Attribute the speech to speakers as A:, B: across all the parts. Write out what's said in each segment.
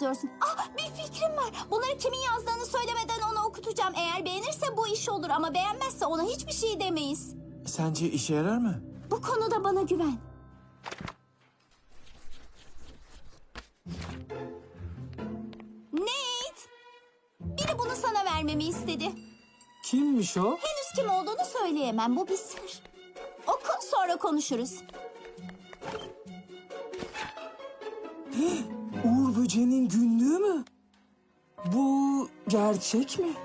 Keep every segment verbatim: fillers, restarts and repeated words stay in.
A: yazıyorsun? Ah, bir fikrim var. Bunları kimin yazdığını söylemeden ona okutacağım. Eğer beğenirse bu iş olur ama beğenmezse ona hiçbir şey demeyiz.
B: Sence işe yarar mı?
A: Bu konuda bana güven. Nate! Biri bunu sana vermemi istedi.
B: Kimmiş o?
A: Henüz kim olduğunu söyleyemem. Bu bir sır. Oku, sonra konuşuruz.
B: Uğur Böceği'nin günlüğü mü? Bu gerçek mi?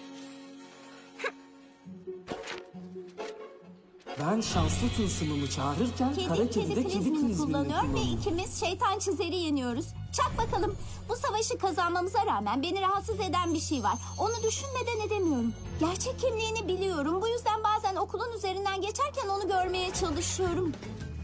B: Ben şanslı tılsımımı çağırırken kara
A: Kedi,
B: kedi
A: kedi
B: de kedi
A: prizmini
B: prizmini
A: kullanıyor ve
B: kullanıyor.
A: ikimiz şeytan çizeri yeniyoruz. Çak bakalım. Bu savaşı kazanmamıza rağmen beni rahatsız eden bir şey var. Onu düşünmeden edemiyorum. Gerçek kimliğini biliyorum. Bu yüzden bazen okulun üzerinden geçerken onu görmeye çalışıyorum.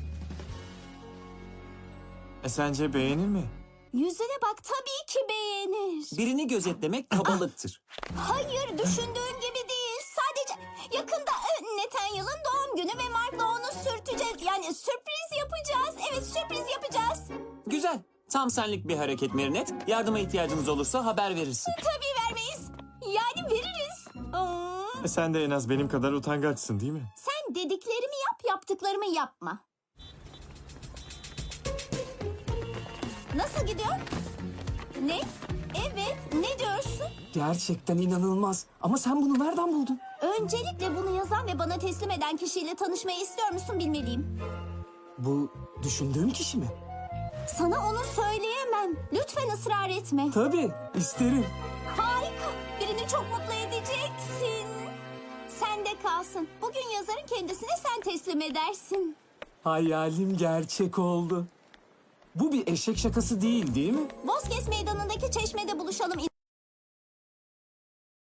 B: E, sence beğenir mi?
A: Yüzüne bak, tabii ki beğenir.
C: Birini gözetlemek kabalıktır.
A: Hayır, düşündüğün gibi değil. Sadece yakında e, Nathaniel'ın doğum günü ve Mark'la onu sürteceğiz. Yani sürpriz yapacağız. Evet, sürpriz yapacağız.
C: Güzel. Tam senlik bir hareket Merinet. Yardıma ihtiyacınız olursa haber verirsin.
A: Tabii vermeyiz. Yani veririz. Aa.
B: E, sen de en az benim kadar utangaçsın değil mi?
A: Sen dediklerimi yap, yaptıklarımı yapma. Nasıl gidiyor? Ne? Evet, ne diyorsun?
B: Gerçekten inanılmaz. Ama sen bunu nereden buldun?
A: Öncelikle bunu yazan ve bana teslim eden kişiyle tanışmayı istiyor musun bilmeliyim.
B: Bu düşündüğüm kişi mi?
A: Sana onu söyleyemem. Lütfen ısrar etme.
B: Tabii, isterim.
A: Harika. Birini çok mutlu edeceksin. Sen de kalsın. Bugün yazarın kendisine sen teslim edersin.
B: Hayalim gerçek oldu. Bu bir eşek şakası değil, değil mi?
A: Bozkes Meydanı'ndaki çeşmede buluşalım.